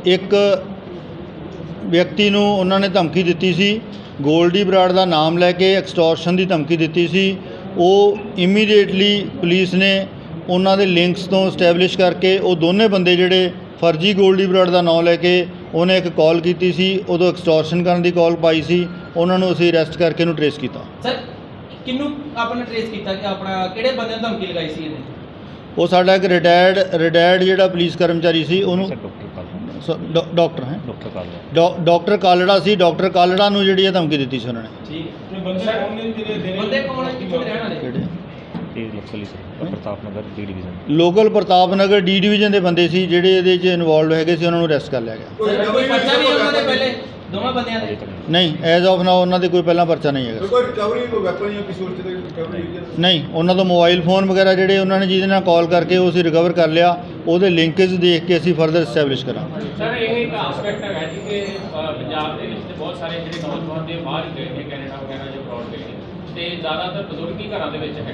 ਇੱਕ ਵਿਅਕਤੀ ਨੂੰ ਉਹਨਾਂ ਨੇ ਧਮਕੀ ਦਿੱਤੀ ਸੀ, ਗੋਲਡੀ ਬਰਾੜ ਦਾ ਨਾਮ ਲੈ ਕੇ ਐਕਸਟੋਰਸ਼ਨ ਦੀ ਧਮਕੀ ਦਿੱਤੀ ਸੀ। ਉਹ ਇਮੀਡੀਏਟਲੀ ਪੁਲਿਸ ਨੇ ਉਹਨਾਂ ਦੇ ਲਿੰਕਸ ਤੋਂ ਸਟੈਬਲਿਸ਼ ਕਰਕੇ ਉਹ ਦੋਨੇ ਬੰਦੇ ਜਿਹੜੇ ਫਰਜੀ ਗੋਲਡੀ ਬਰਾੜ ਦਾ ਨਾਮ ਲੈ ਕੇ ਉਹਨੇ ਇੱਕ ਕਾਲ ਕੀਤੀ ਸੀ, ਉਦੋਂ ਐਕਸਟੋਰਸ਼ਨ ਕਰਨ ਦੀ ਕਾਲ ਪਾਈ ਸੀ, ਉਹਨਾਂ ਨੂੰ ਅਸੀਂ ਅਰੈਸਟ ਕਰਕੇ ਉਹਨੂੰ ਟਰੇਸ ਕੀਤਾ। ਸਰ ਕਿਹਨੂੰ ਆਪਣਾ ਟਰੇਸ ਕੀਤਾ ਕਿ ਆਪਣਾ ਕਿਹੜੇ ਬੰਦੇ ਨੂੰ ਧਮਕੀ ਲਗਾਈ ਸੀ ਇਹਨੇ? ਉਹ ਸਾਡਾ ਇੱਕ ਰਿਟਾਇਰਡ ਜਿਹੜਾ ਪੁਲਿਸ ਕਰਮਚਾਰੀ ਸੀ, ਉਹਨੂੰ ਡਾਕਟਰ ਕਾਲੜਾ ਸੀ। ਡਾਕਟਰ ਕਾਲੜਾ ਨੂੰ ਜਿਹੜੀ ਇਹ ਧਮਕੀ ਦਿੱਤੀ ਸੀ ਉਹਨਾਂ ਨੇ। ਠੀਕ ਹੈ। ਬੰਦੇ ਕੌਣ ਹੈ, ਕਿੱਥੋਂ ਦੇ ਰਹਿਣ ਵਾਲੇ? ਕਿਹੜੇ? Pratap Nagar D division. Local Pratap Nagar D division ਦੇ ਬੰਦੇ ਸੀ ਜਿਹੜੇ ਇਹਦੇ 'ਚ ਇਨਵੋਲਵ ਹੈਗੇ ਸੀ, ਉਹਨਾਂ ਨੂੰ ਅਰੈਸਟ ਕਰ ਲਿਆ ਗਿਆ। ਕੋਈ ਪਰਚਾ ਵੀ ਉਹਨਾਂ ਦੇ ਪਹਿਲੇ ਦੋਵਾਂ ਬੰਦਿਆਂ ਦੇ? ਨਹੀਂ, ਐਜ਼ ਆਫ ਨਾਓ ਉਹਨਾਂ ਦੇ ਕੋਈ ਪਹਿਲਾਂ ਪਰਚਾ ਨਹੀਂ ਹੈਗਾ। ਕੋਈ ਰਿਕਵਰੀ, ਕੋਈ ਵੈਪਨ ਜਾਂ ਕਿਸੇ ਹੋਰ ਚੀਜ਼ ਦੀ ਰਿਕਵਰੀ ਹੋਈ ਹੈ? ਨਹੀਂ, ਉਹਨਾਂ ਤੋਂ ਮੋਬਾਈਲ ਫੋਨ ਵਗੈਰਾ ਜਿਹੜੇ ਉਹਨਾਂ ਨੇ ਜਿਹਦੇ ਨਾਲ ਕਾਲ ਕਰਕੇ ਉਹ ਅਸੀਂ ਰਿਕਵਰ ਕਰ ਲਿਆ, ਉਹਦੇ ਲਿੰਕੇਜ ਦੇਖ ਕੇ ਅਸੀਂ ਫਰਦਰ ਐਸਟੈਬਲਿਸ਼ ਕਰਾਂਗੇ। ਸਰ ਇਹ ਇੱਕ ਆਸਪੈਕਟ ਹੈਗਾ ਜੀ ਕਿ ਪੰਜਾਬ ਦੇ ਵਿੱਚ ਤੇ ਬਹੁਤ ਸਾਰੇ ਜਿਹੜੇ ਨੌਜਵਾਨ ਦੇ ਬਾਹਰ ਗਏ ਨੇ, ਕੈਨੇਡਾ ਵਗੈਰਾ ਜਾਂ ਅਬਰੋਡ ਗਏ ਨੇ, ਤੇ ਜ਼ਿਆਦਾਤਰ ਬਜ਼ੁਰਗ ਹੀ ਘਰਾਂ ਦੇ ਵਿੱਚ ਹੈ।